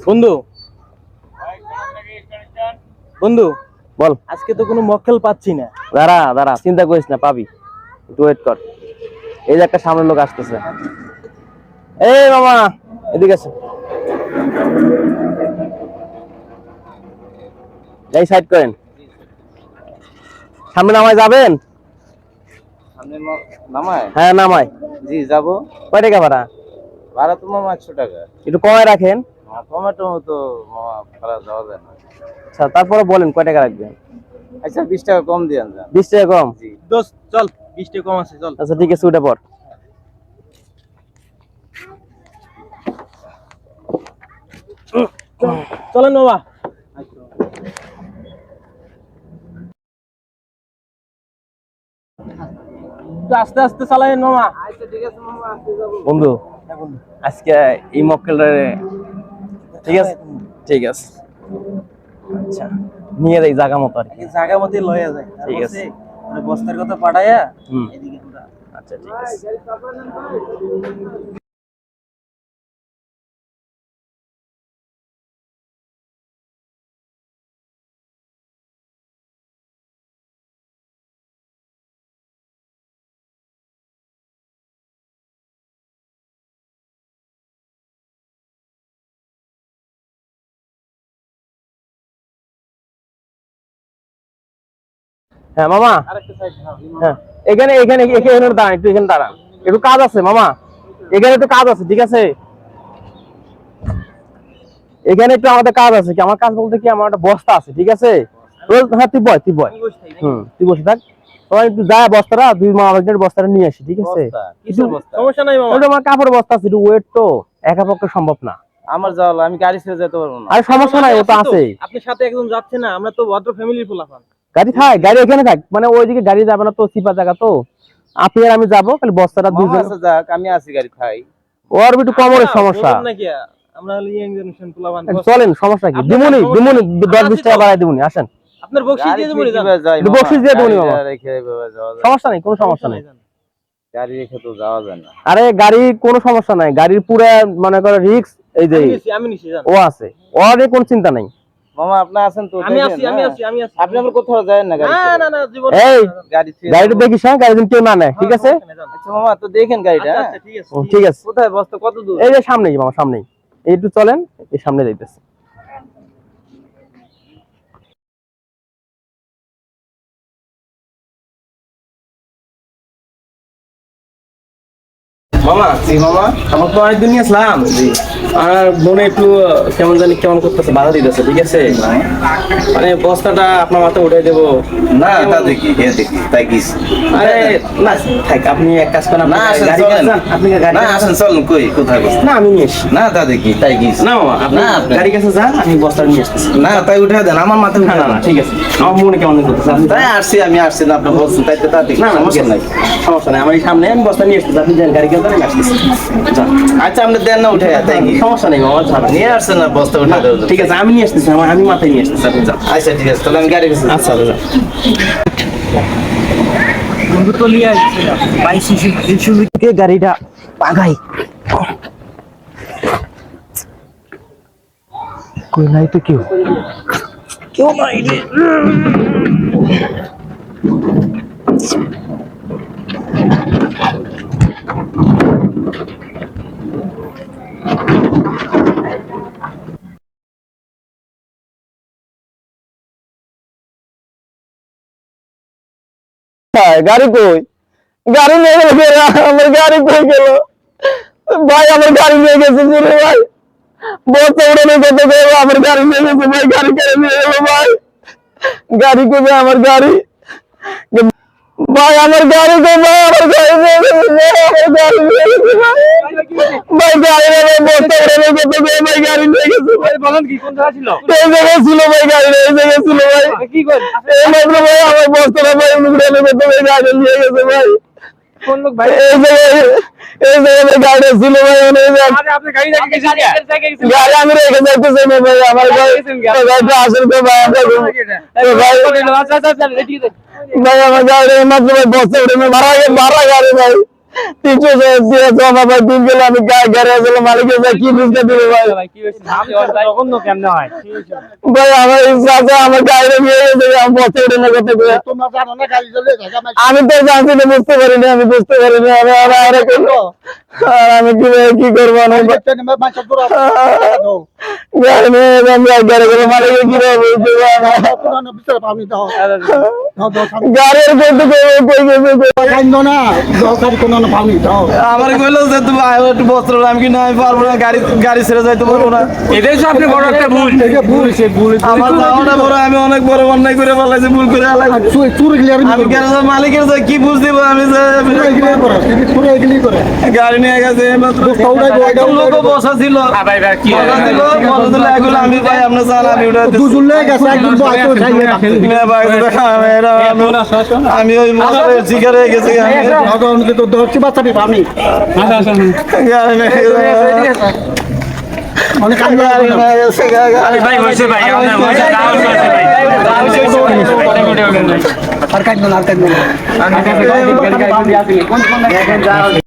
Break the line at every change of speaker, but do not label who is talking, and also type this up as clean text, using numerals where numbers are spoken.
বন্ধু বন্ধু বল, আজকে তো কোনো মক্কেল পাচ্ছি না।
দাঁড়া দাঁড়া, চিন্তা করিস না, পাবি, একটু ওয়েট কর। এই যে একটা সামনের লোক আসতেছে। এই মামা, এদিকে আছে, এই সাইড করেন। সামনে নামায় যাবেন?
সামনে নামায়?
হ্যাঁ নামায়।
জি যাবো।
কয় টাকা ভাড়া?
ভাড়া তো মামা 100 টাকা।
একটু কমায় রাখেন।
টমেটো তো মামা ভাড়া যাওয়া যায় না।
আচ্ছা, তারপরে বলেন কয় টাকা রাখবেন।
আচ্ছা 20 টাকা কম দিয়েন।
20 টাকা কম?
জি দোস্ত চল, 20 টাকা কম আছে, চল।
আচ্ছা ঠিক আছে, উঠে পড়।
চলেন মামা। আস্তে আস্তে চালাইন মামা। আচ্ছা ঠিক আছে মামা, আস্তে যাবো।
বন্ধু আজকে এই মক্কেলটা, ঠিক আছে ঠিক আছে, আচ্ছা নিয়ে যাই জায়গা মতো আর কি।
জায়গা মতো লয়ে যায়,
ঠিক আছে।
বস্তার কথা পাঠাইয়া এদিকে পুরা।
আচ্ছা ঠিক আছে। হ্যাঁ মামা, হ্যাঁ এখানে এখানে এখানে দাঁড়ান, একটু এখানে দাঁড়ান, একটু কাজ আছে মামা, এখানে একটু কাজ আছে, ঠিক আছে? এখানে একটু আমাদের কাজ আছে। কি আমার কাজ বলতে কি, আমার একটা বস্তা আছে, ঠিক আছে? হ্যাঁ তুই বয়, তুই বয়, তুই বসে থাক। তোমার একটু যায় বস্তাটা, দুই মা বস্তাটা নিয়ে আসি, ঠিক আছে?
সমস্যা নাই মামা।
আমার কাপড় বস্তা আছে, একটু ওয়েট তো একা পক্ষে সম্ভব না।
আমার যাওয়া, আমি গাড়ি ছেড়ে যেতে পারবো না।
আরে সমস্যা নাই, ও তো আছে।
আপনি সাথে একজন যাচ্ছে না, আমরা তো ভদ্র ফ্যামিলির পোলাপান।
গাড়ি থাক, গাড়ি এখানে থাক, মানে ওইদিকে গাড়ি যাবে না তো, সিপা জায়গা তো। আপনি আর আমি যাবো, খালি বস্তাটা দুইজন।
যাক, আমি আছি, গাড়ি খাই।
ওর একটু কমরের সমস্যা।
আমরা ইয়াং জেনারেশন পোলাপান।
চলেন, সমস্যা কি? দিমুনি দিমুনি 10-20 টাকা বাড়াই দিমুনি, আসেন।
আপনার বকশিশ দিয়ে দিমুনি,
বকশিশ দিয়ে দিমুনি মামা, সমস্যা নাই, কোনো সমস্যা নাই।
গাড়ি রেখে তো যাওয়া যায় না।
আরে গাড়ি কোনো সমস্যা নাই, গাড়ির পুরো মনে করে রিস্ক এই যে
আমি নিছি,
ও আছে, ওর কোনো চিন্তা নাই।
মামা আপনি আছেন তো? আমি আছি। আপনি আমার কোথাও যায় না গাড়ি? না জীবন। এই
গাড়িটা দেখিস, হ্যাঁ গাড়ি কেউ না নেয়, ঠিক আছে?
আচ্ছা মামা, তো দেখেন গাড়িটা। আচ্ছা ঠিক আছে,
ঠিক আছে।
কোথায় বস্তা, কত দূর?
এই যে সামনেই মামা, সামনেই, একটু চলেন, এই সামনে যাইতেছে। মামা মামা, আমার তো অনেকদিন নিয়ে আসলাম, আর মনে একটু কেমন জানি কেমন করতেছে, বাধা দিতেছে, ঠিক আছে? মানে বস্তাটা আপনার মাথায় উঠে দেবো
না, তা দেখি তাই কি?
আরে না থাক, আপনি এক কাজ করেন, আপনি গাড়ি
আসেন, চলুন। কোথায় বস্তা?
না আমি নিয়ে আসি।
না তা দেখি তাই কি?
না মামা, আপনি গাড়ি কাছে যান, আমি বস্তা নিয়ে আসতেছি।
না তাই উঠে দেন, আমার মাথায় উঠে।
না ঠিক আছে, আমার মনে কেমন করতেছে,
তাই আমি আসছি না, আপনি বলছেন তাই তো, তা দেখি।
না সমস্যা নাই, সমস্যা নাই, আমার সামনে আমি বস্তা নিয়ে আসতেছি, আপনি যান গাড়ি কাছে, আমি আসতেছি।
আচ্ছা আপনি দেন না উঠে, তাই কি?
সমস্যা নেই মামা,
নিয়ে আসছেন না বস্তা উঠে দেবো।
ঠিক আছে, আমি নিয়ে আসতেছি, আমি মাথায় নিয়ে আসতেছি, আপনি যান।
আচ্ছা ঠিক আছে, তাহলে আমি গাড়ি গেছি।
আচ্ছা যান।
বন্ধু তো নিয়ে আসছিল,
বাইশে গাড়িটা পাগাই কই নাই তো, কেউ নাই রে। গাড়ি কই? গাড়ি নিয়ে গেল, আমার গাড়ি কই গেল ভাই? আমার গাড়ি নিয়ে গেছে চুরি ভাই, বস্তা উড়ানো কত গেল, আমার গাড়ি নিয়ে গেছে ভাই, গাড়ি কেড়ে নিয়ে গেল ভাই। গাড়ি কবে? আমার গাড়ি ভাই, আমার গাড়ি কই ভাই? আমার গাড়ি নিয়ে গেছে ভাই, আমার গাড়ি নিয়ে গেছে ভাই। ভাই গাড়ি নিয়ে বস্তা উড়ানো কত গেল ভাই, গাড়ি নিয়ে গেছে ভাই।
বলেন কি, কোন জায়গা ছিল?
এই জায়গায় ছিল ভাই, গাড়ি এই জায়গায় ছিল ভাই।
কি করেন?
এই মাত্র ভাই আমার বস্তাটা ভাই উড়ানো কত ভাই, গাড়ি নিয়ে গেছে ভাই।
কোন লোক ভাই?
এই জায়গায় গাড়ি ছিল ভাই,
আপনি গাড়ি রেখে গেছেন?
গাড়ি আমি রেখে যাইতেছি না ভাই, আমার গাড়িটা আসেন তো ভাই। ভাই আমার গাড়ি মাত্র ভাই বস্তা উঠে ভাড়া গাড়ি ভাই। 300 দিয়ে জমা ভাই দিন গেল আমি গাড়ি আসলে মালিকের ভাই কি বুঝতে দিবে ভাই ভাই আমার ইচ্ছা আমার গাড়ি নিয়ে গেছে আমি বসে উঠে না করতে করে আমি তো জানছি না বুঝতে পারিনি আমি বুঝতে পারিনি আমি কি করবো না গাড়ি নিয়ে গাড়ি করে মালিকের কি গাড়ির আমার কইলো যে তুমি একটু বস্ত্র আমি কি না আমি পারবো না গাড়ি ছেড়ে যাইতে পারবো না
এটাই তো আপনি বড় একটা ভুল
আমার যাওয়াটা বড় আমি অনেক বড় অন্যায় করে ফেলাইছি ভুল করে আমি গ্যারেজের মালিকের যে কি বুঝ দিব আমি গাড়ি নিয়ে গেছে লোক বসা ছিল আমি ভাই আপনার চান আমি ওই শিকার হয়ে গেছি
ভাই হয়েছে ভাই আপনার হয়েছে ভাই